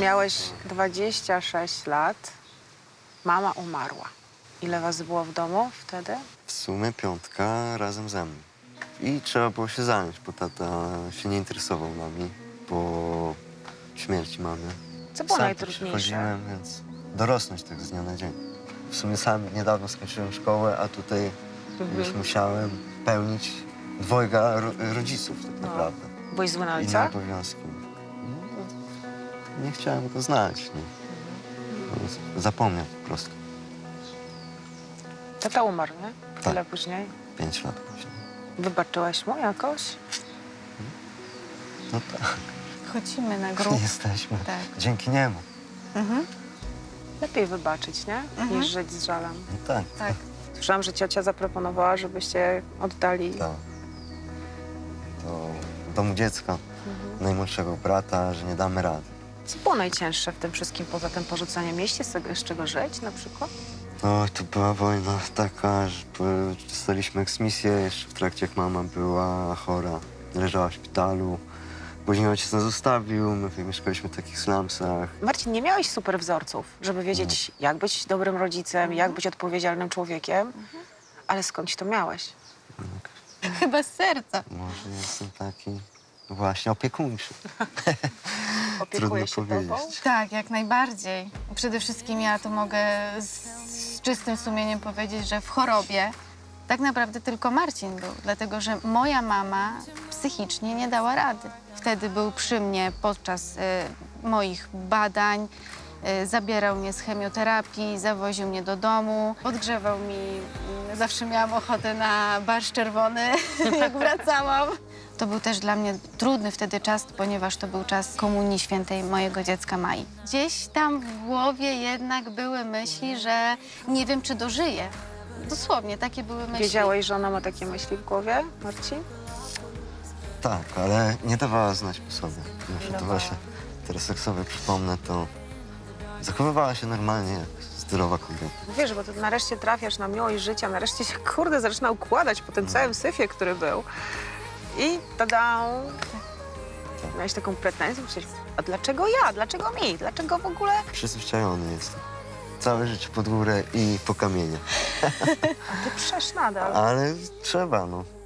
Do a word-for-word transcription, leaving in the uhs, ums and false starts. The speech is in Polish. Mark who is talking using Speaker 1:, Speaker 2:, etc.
Speaker 1: Miałeś dwadzieścia sześć lat, mama umarła. Ile was było w domu wtedy?
Speaker 2: W sumie piątka razem ze mną. I trzeba było się zająć, bo tata się nie interesował nami po śmierci mamy.
Speaker 1: Co było
Speaker 2: Sam
Speaker 1: najtrudniejsze?
Speaker 2: przychodziłem, więc dorosnąć tak z dnia na dzień. W sumie sam niedawno skończyłem szkołę, a tutaj
Speaker 1: Mhm.
Speaker 2: już musiałem pełnić dwojga ro rodziców tak
Speaker 1: No.
Speaker 2: naprawdę.
Speaker 1: Byłeś zły na
Speaker 2: Inne
Speaker 1: ojca?
Speaker 2: obowiązki. No, nie chciałem go znać. No. No, zapomniał po prostu.
Speaker 1: Tata umarł, nie?
Speaker 2: Tak.
Speaker 1: Tyle później.
Speaker 2: Pięć lat później.
Speaker 1: Wybaczyłeś mu jakoś?
Speaker 2: No tak,
Speaker 3: Chodzimy na grób.
Speaker 2: jesteśmy
Speaker 3: Tak.
Speaker 2: dzięki niemu.
Speaker 3: Mhm.
Speaker 1: Lepiej wybaczyć, nie?
Speaker 3: Mhm.
Speaker 1: Niż żyć z żalem.
Speaker 2: No tak,
Speaker 3: Tak.
Speaker 1: Słyszałam, że ciocia zaproponowała, żebyście oddali...
Speaker 2: tak. Do domu dziecka, najmłodszego brata, że nie damy rady.
Speaker 1: Co było najcięższe w tym wszystkim, poza tym porzuceniem? Mieliście z z czego żyć na przykład?
Speaker 2: No, to była wojna taka, że po- dostaliśmy eksmisję jeszcze w trakcie, jak mama była chora. Leżała w szpitalu. Później ojciec nas zostawił, my mieszkaliśmy w takich slumsach.
Speaker 1: Marcin, nie miałeś super wzorców, żeby wiedzieć, jak być dobrym rodzicem, jak być odpowiedzialnym człowiekiem, ale skądś to miałeś?
Speaker 3: Chyba z serca.
Speaker 2: Może jestem taki właśnie opiekuńczy.
Speaker 1: Opiekujesz się
Speaker 2: Trudno
Speaker 1: tobą?
Speaker 2: powiedzieć.
Speaker 3: Tak, jak najbardziej. Przede wszystkim ja to mogę z, z czystym sumieniem powiedzieć, że w chorobie tak naprawdę tylko Marcin był, dlatego że moja mama psychicznie nie dała rady. Wtedy był przy mnie podczas e, moich badań, e, zabierał mnie z chemioterapii, zawoził mnie do domu, podgrzewał mi, mm, zawsze miałam ochotę na barszcz czerwony, jak wracałam. To był też dla mnie trudny wtedy czas, ponieważ to był czas komunii świętej mojego dziecka Mai. Gdzieś tam w głowie jednak były myśli, że nie wiem, czy dożyję. Dosłownie, takie były myśli.
Speaker 1: Wiedziałeś, że ona ma takie myśli w głowie, Marcin?
Speaker 2: Tak, ale nie dawała znać po sobie. Muszę to
Speaker 1: dawała?
Speaker 2: właśnie teraz jak sobie przypomnę, to zachowywała się normalnie jak zdrowa kobieta.
Speaker 1: Wiesz, bo ty nareszcie trafiasz na miłość życia, nareszcie się, kurde, zaczyna układać po tym całym syfie, który był. I tada! Miałeś taką pretensję, myślałeś, a dlaczego ja? Dlaczego mi? Dlaczego w ogóle?
Speaker 2: Przyzwyczajony jestem. Całe życie pod górę i po kamienie.
Speaker 1: Ty przesz nadal.
Speaker 2: Ale trzeba, no.